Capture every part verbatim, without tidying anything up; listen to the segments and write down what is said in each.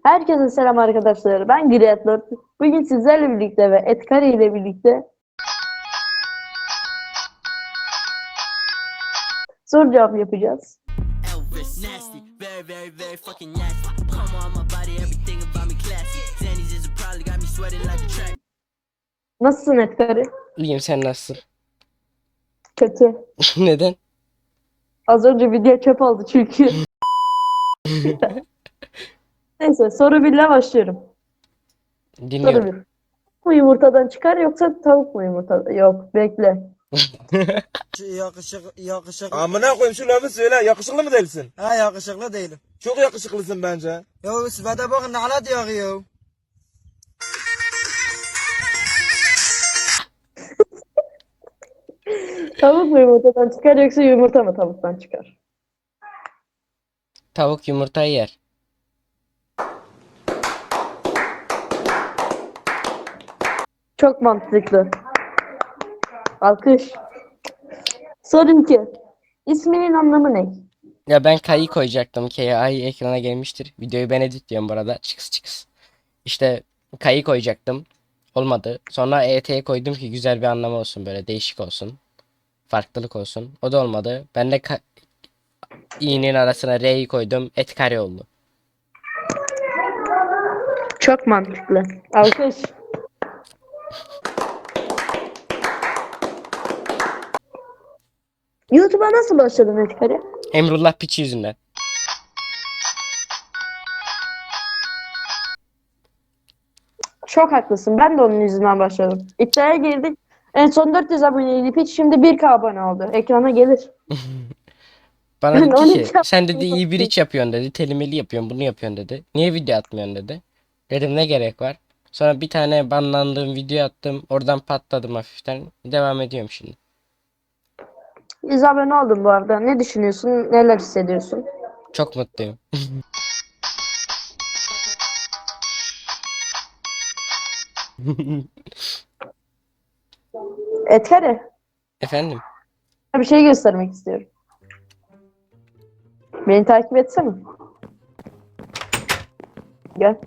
Herkese selam arkadaşlar. Ben Griatlord. Bugün sizlerle birlikte ve Etkari ile birlikte soru cevap yapacağız. Elvis, nasty, very, very, very fucking nasty. Come on, my body, everything about me classy. Zanny's is a probably got me sweating like a track. Nasılsın Etkari? İyiyim, sen nasılsın? Kötü. Neden? Az önce video çöp oldu çünkü. Neyse soru birle başlıyorum. Soru Dinliyorum. bir. Bu yumurtadan çıkar yoksa tavuk mu yumurtadan? Yok bekle. Yakışık, yakışıklı. Amına koyayım şu lafı söyle. Yakışıklı mı değilsin? Ha yakışıklı değilim. Çok yakışıklısın bence. Ya sıfata bakın ne ala diyor ya. Tavuk mu yumurtadan çıkar yoksa yumurta mı tavuktan çıkar? Tavuk yumurtayı yer. Çok mantıklı. Alkış. Soru iki. İsminin anlamı ne? Ya ben K'yı koyacaktım. K ay ekrana gelmiştir. Videoyu ben editliyorum bu arada. Çıkıs çıkıs. İşte K'yı koyacaktım. Olmadı. Sonra E T'ye koydum ki güzel bir anlamı olsun, böyle değişik olsun. Farklılık olsun. O da olmadı. Ben de K- i'nin arasına R'yi koydum. Etkari oldu. Çok mantıklı. Alkış. YouTube'a nasıl başladın Etkari? Emrullah piçi yüzünden. Çok haklısın. Ben de onun yüzünden başladım. İddiaya girdik. En son dört yüz aboneydi hiç, şimdi bir K abone oldu. Ekrana gelir. Bana Ben dedi ki on iki sen dedi iyi bir yaptım. iş yapıyorsun dedi. Telimeli yapıyorsun, bunu yapıyorsun dedi. Niye video atmıyorsun dedi. Dedim ne gerek var. Sonra bir tane banlandığım video attım. Oradan patladım hafiften. Devam ediyorum şimdi. yüz abone oldun bu arada. Ne düşünüyorsun? Neler hissediyorsun? Çok mutluyum. Etkari, Efendim? bir şey göstermek istiyorum. Beni takip etsene. Gel.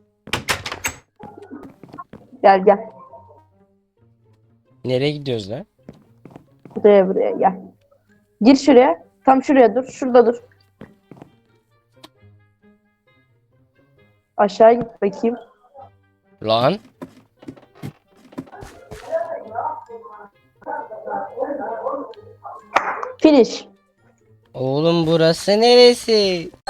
Gel gel. Nereye gidiyoruz lan? Buraya buraya gel. Gir şuraya. Tam şuraya dur. Şurada dur. Aşağı git bakayım. Lan? Finish. Oğlum burası neresi?